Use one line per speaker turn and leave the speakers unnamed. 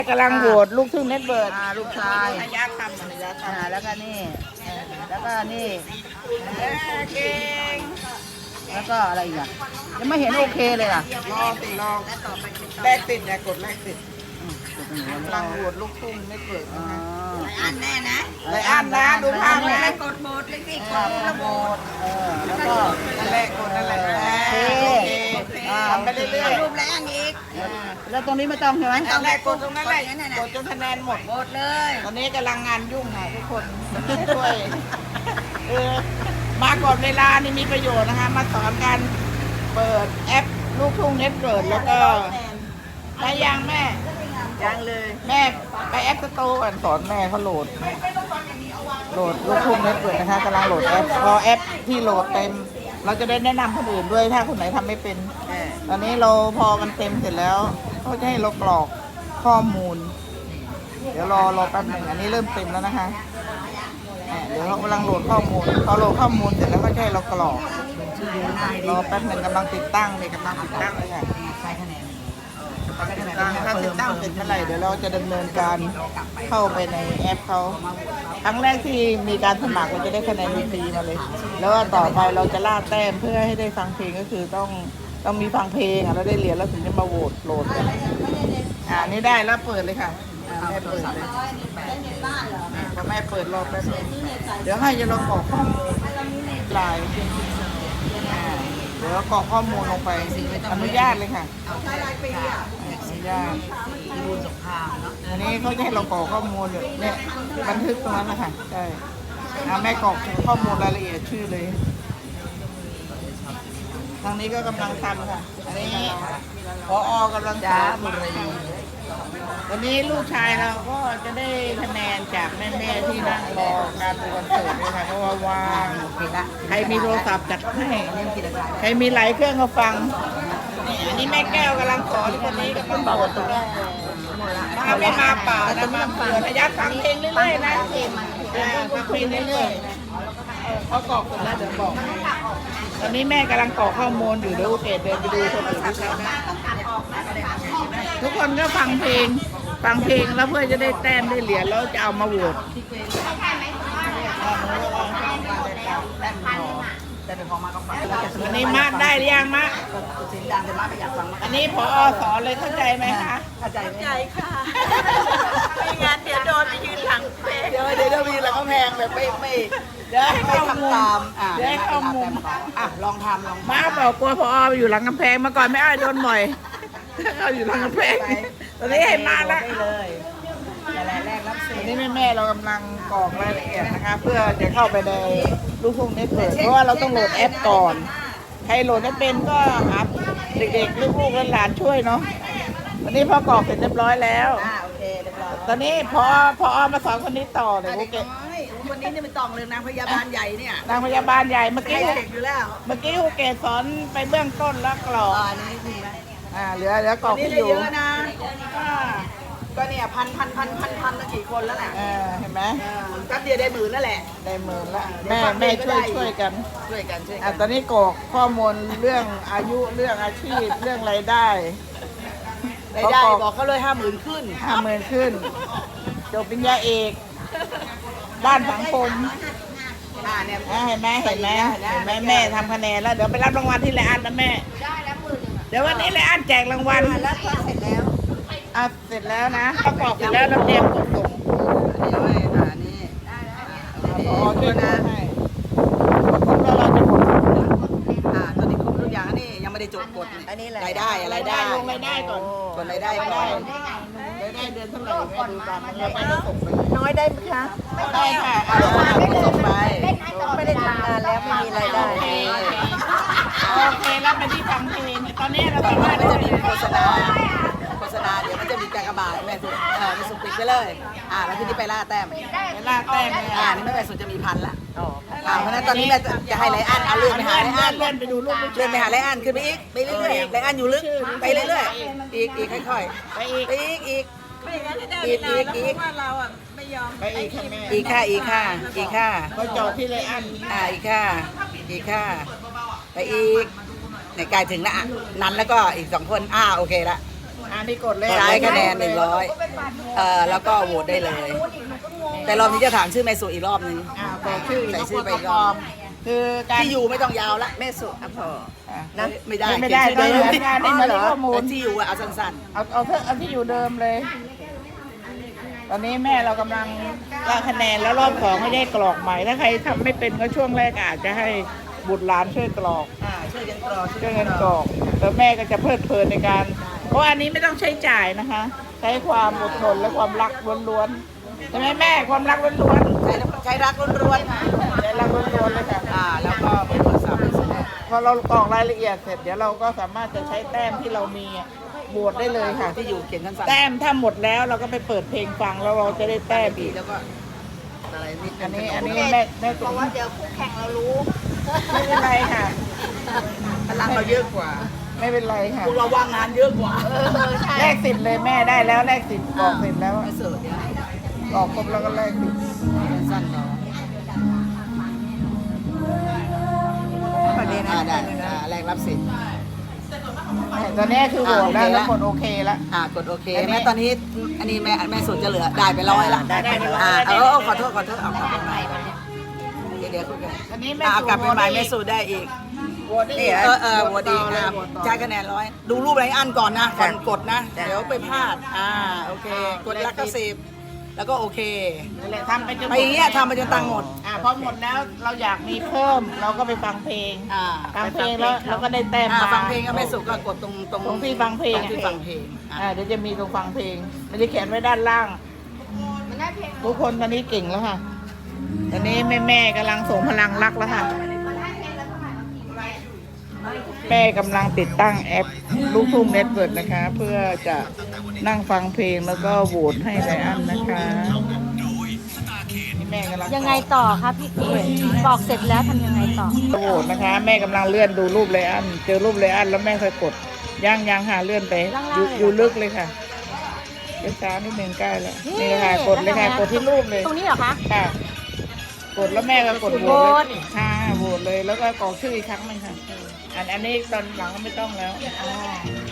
กำลังโหวตลูกทุ่งเน็ตเบิร์ด
ลูกชาย
ระยะคำระยะคำ
แล้วก็นี่แล้วก็นี่
เก่ง
แล้วก็อะไรอีกอ่ะยังไม่เห็นโอเคเลยอ่ะ
รอติดรอแรกติดอย่ากดแรกติดกำลังโหวตลูกทุ่งเน็ตเบิร์ดนะคะ
อันแน่นะ
ไรอันนะดูภาพไหม
กดโหมดเลยสิกดระโหมด
แล้วก็
นั่นแหละกดนั่นแหละ
โอเค
ทำไปเรื่อย
รูปแล้วอีก
แล้วตรงนี้ไม่ต้องใช่ไหม
ๆนั่นแหละกดตรงนั้นแหละกดจนคะแนนหมด
หมดเลย
ตอนนี้กำลังงานยุ่งค่ะทุกคนช่วยมาก่อนเวลานี่มีประโยชน์นะคะมาสอนการเปิดแอปลูกทุ่งเน็ตเบิร์ดแล้วก็ไปยังแม่
ยังเลย
แม่ไปแอปสโตร์ก่อนสอนแม่เขาโหลดลูกทุ่งเน็ตเบิร์ดนะคะกำลังโหลดแอปพอแอปที่โหลดเต็มเราจะได้แนะนำคนอื่นด้วยถ้าคนไหนทำไม่เป็นตอนนี้เราพอมันเต็มเสร็จแล้วเขาจะให้เรากรอกข้อมูลเดี๋ยวรอแป๊บหนึ่งอันนี้เริ่มเต็มแล้วนะคะเดี๋ยวเรากำลังโหลดข้อมูลพอโหลดข้อมูลเสร็จแล้วก็จะให้เรากรอกรอแป๊บหนึ่งกำลังติดตั้งเลยค่ะ
ใช้คะแนน
ถ้าติดตั้งเสร็จเมื่อไหร่เดี๋ยวเราจะดำเนินการเข้าไปในแอปเขาครั้งแรกที่มีการสมัครเราจะได้คะแนนฟรีมาเลยแล้วต่อไปเราจะล่าแต้มเพื่อให้ได้ฟังเพลงก็คือต้องมีฟังเพลงแล้วได้เหรียญแล้วถึงจะมาโหวตโหลดกันนี่ได้แล้วเปิดเลยค่ะแม่เปิดเลยพอแม่เปิดรอบแป๊บนึงเดี๋ยวให้จะลองกรอกข้อมูลลายเดี๋ยวกรอกข้อมูลลงไปอนุญาตเลยค่ะอนุญาตอันนี้เขาจะให้เรากรอกข้อมูลเนี่ยบันทึกตรงนั้นนะคะใช่แม่กรอกข้อมูลรายละเอียดชื่อเลยทางนี้ก็กำลังทำค่ะอันนี้ผอกำลังสอนวันนี้ลูกชายเราก็จะได้คะแนนจากแม่ๆที่นั่งรอการดูคอนเสิร์ตด้วยค่ะเพราะว่าว่างใครมีโทรศัพท์จัดให้ใครมีหลายเครื่องก็ฟังอันนี้แม่แก้วกำลังสอนคนนี้ก็ต้องบอกตรงนี้ไม่มาเปล่านะมาเปิดระยะฟังเพลงเรื่อยๆนะฟังเพลงเรื่อยๆเขากรอกเสร็จแล้วเดี๋ยวบอกตอนนี้แม่กำลังกรอกข้อมูลอยู่เดี๋ยวโอเคเดินไปดูคนอื่นที่ใช้นะทุกคนก็ฟังเพลงแล้วเพื่อจะได้แต้มได้เหรียญแล้วจะเอามาโหวตอันนี้มากได้หรือยังมะอันนี้ผอสอนเลยเข้าใจไหมคะ
เข้าใจ
ค่ะไม่งั้นเดี๋ยวโดนไปยืนหลังเพลง
เดี๋ยวมีแล้วก็แพงแบบไม่
เดี๋ยวให้
ทำตาม
เดี๋ยวให้เข้ามุม
ลองทำ
มาบอกกลัวผอไปอยู่หลังกำแพงมาก่อนไม่อ้อยโดนบ่อยเขาอยู่หลังกำแพงตอนนี้ให้มาแล้ว
แรกรับสิทธิ์
อันนี้แม่เรากำลังกรอกรายละเอียดนะคะเพื่อจะเข้าไปในลูกทุ่งเน็ตเบิร์ดเพราะว่าเราต้องโหลดแอปก่อนใครโหลดไม่เป็นก็หาเด็กๆลูกๆหลานๆช่วยเนาะวันนี้พอกรอกเสร็จเรียบร้อยแล้ว
โอเคเรียบร้อย
ตอนนี้พอมาสอนคนนี้ต่อเลยโอเค
วันนี้นี่ไม่ต้องเลยนางพยาบาลใหญ่เนี่ย
นางพยาบาลใหญ่เมื่อกี้
เด็กอยู่แล้ว
เมื่อกี้ครูเกศสอนไปเบื้องต้นแล้วกรอก
นี่ดีไหม
เหลือกรอกที่อยู่
เยอะนะก็เนี่ยพันแล้วกี่คนแล้วน่ะ
เห็นไหม
ก็เดียวได้10,000นั่นแหละ
ได้10,000แล้วแม่ช่วยกันตอนนี้กรอกข้อมูลเรื่องอายุเรื่องอาชีพเรื่องรายได้
บอกเขาเลย50,000ขึ้น
จบปริญญาเอกด้านสังคม
เนี่ย
เห็นไหมแม่ทำคะแนนแล้วเดี๋ยวไปรับรางวัลที่ไรอันนะแม่เดี๋ยววันนี้ไรอันแจกรางวัล
แล้วเสร็จแล้ว
เสร็จแล้วนะประกอบเสร็จแล้วเราเตรียมกดส่ง
นี่
ช่วยนะให้ครบแล้วเราจะกด
ตอนนี้ครบทุกอย่างนี่ยังไม่ได้จดกดรายได้
ลงรายได้ก่อน
กดรายได้ก่อน
ได้เดือนเท่าไหร่แม่ดูตามมันแล้วไปก็ส่งไป
น้อยได้ไหมคะ
ได้ค่ะ
ส่งไป
ไม่ได้ทำงานแล้วไม่มีรายได้
โอเคแล้วไปที่ฟังเพลงตอนนี้เราสามารถ
จะมีโฆษณาเดี๋ยวมันจะมีกากบาทแม่สุดมีสุดปิดไปเลยแล้วทีนี้ไปล่าแต้ม
นี่
ไม่ไปสุดจะมี1,000ละเพราะนั้นตอนนี้แม่จะให้ไรอันเลื่อนไปหาไรอัน
เลื่อนไปดูรูป
เลื่อนไปหาไรอันขึ้นไปอีกไปเรื่อยๆไรอันอยู่ลึกไปเรื่อยๆอีกค่อยๆไปอีก
ว่าเราไม่ยอม
ไปอีกค่ะแม่
อีกค่ะ
ก็จอดที่ไรอัน
อีกค่ะไปอีกในกายถึงละนั้นแล้วก็อีก2 คนโอเคละ
นี่กดเลย
ใช้คะแนน100แล้วก็โหวตได้เลย แต่รอบนี้จะถามชื่อแม่สุอีกรอบนึง
กดชื่อ
ใส่ชื่อไป
ป
อีกร
ล
อ
อบ มคือการ
ที่อยู่ไม่ต้องยาวละ
แม่สุอภร
นะไม่ได้
ไม่ได้
เขียนชื่อ
ต้อง
เดิม
งานในมาที่ข้อมูล
แต่ที่อยู่อะเอาสั้น
เอาที่อยู่เดิมเลย ตอนนี้แม่เรากำลังล่าคะแนนแล้วรอบสองไม่ได้กรอกใหม่ ถ้าใครทำไม่เป็นก็ช่วงแรกอาจจะให้บุตรหลานช่วยกรอก
ๆช่วยกันกรอก
ช่วยกันกรอกแล้วแม่ก็จะเพลิดเพลินในการ เพราะอันนี้ไม่ต้องใช้จ่ายนะคะ ใช้ความอดทนและความรักล้วนๆใช่ไหมแม่ความรักล้วน
ใช้รักล้วนๆค่ะ
ๆใช้รักล้วนๆเลยค่ะ
แล้วก็เบอร์โทรศัพท์
พอเรากรอกรายละเอียดเสร็จเดี๋ยวเราก็สามารถจะใช้แต้มที่เรามีบวชได้เลยค่ะ
ที่อยู่เขียนสั้นๆ
แต้มถ้าหมดแล้วเราก็ไปเปิดเพลงฟังแล้วเราจะได้แต้มอีก
แล้วก็อะไรนิด
อันนี้แม่ตุ๋ม
ว่าเดี๋ยวคู่แข่งเรารู้
ไม่เป็นไรค่ะ
พลังเราเยอะกว่า
ไม่เป็นไรค่ะ
พวกเราว่างงานเยอะกว่า
ใช่
แลกสิทธิ์เลยแม่ได้แล้วแลกสิทธิ์บอกเสร็จแล้ว
ไม่เสิร์ฟเนี่ย
บอกครบแล้วก็แลกสิทธิ์
สั้นๆเนาะ
ประเด็น
ได้แรกรับสิทธิ์
ตอนนี้คือโหวตแล้วแล้วคนโอเคแล้ว
กดโอเคแม่ตอนนี้อันนี้แม่สุดจะเหลือได้ไป100ละขอโทษเอากลับไปใหม่เดี๋ยวคุยกัน
อันนี้แม่
เอา
สู่
กลับไปใหม่
โหวต
แม่สุดได้อีก
โหวตได้
นี่
อีก
โหวตดีใช้คะแนน100ดูรูปไรอันก่อนนะก่อนกดนะเดี๋ยวไปพลาดโอเคกดละ90แล้วก็โอเค
นั่นแหละทำไปจนหม
ไป
ด
อย่างเงี้ยทำไปจนตังค์หมด
พอหมดแล้วเราอยากมีเพิ่มเราก็ไปฟังเพลง ฟังเพลงแล้วเราก็ได้แต้มมา
ฟังเพลงก็แม่สุก็กดตรง
ตรงที่ฟังเพลง
ที่ฟังเพลง
เดี๋ยวจะมีตรงฟังเพลงมันจะเขียนไว้ด้านล่าง ทุกคนตอนนี้เก่งแล้วค่ะ ตอนนี้แม่กำลังส่งพลังรักแล้วค่ะ แม่กำลังติดตั้งแอปลูกทุ่งเน็ตเวิร์กนะคะ เพื่อจะนั่งฟังเพลงแล้วก็โหวตให้ไลอ้อนนะคะนี่แม่กำลัง
ยังไงต่อครับพี่เก๋บอกเสร็จแล้วทำยังไงต่อ
โหวตนะคะ แม่กำลังเลื่อนดูรูปไลอ้อนเจอรูปไลอ้อนแล้วแม่ค่อยกดยังหาเลื่อนไปอยู่ลึกเลยค่ะเดี๋ยวช้านิดนึงใกล้แล้วนี่ค่ะกดเลยค่ะกดที่รูปเลย
ตรงนี้เหรอคะ
ค่ะ กดแล้วแม่ก็กดโหวตเลยค่ะโหวตเลยแล้วก็กรอกชื่ออีกครั้งหนึงค่ะอันนี้ตอนหลังก็ไม่ต้องแล้ว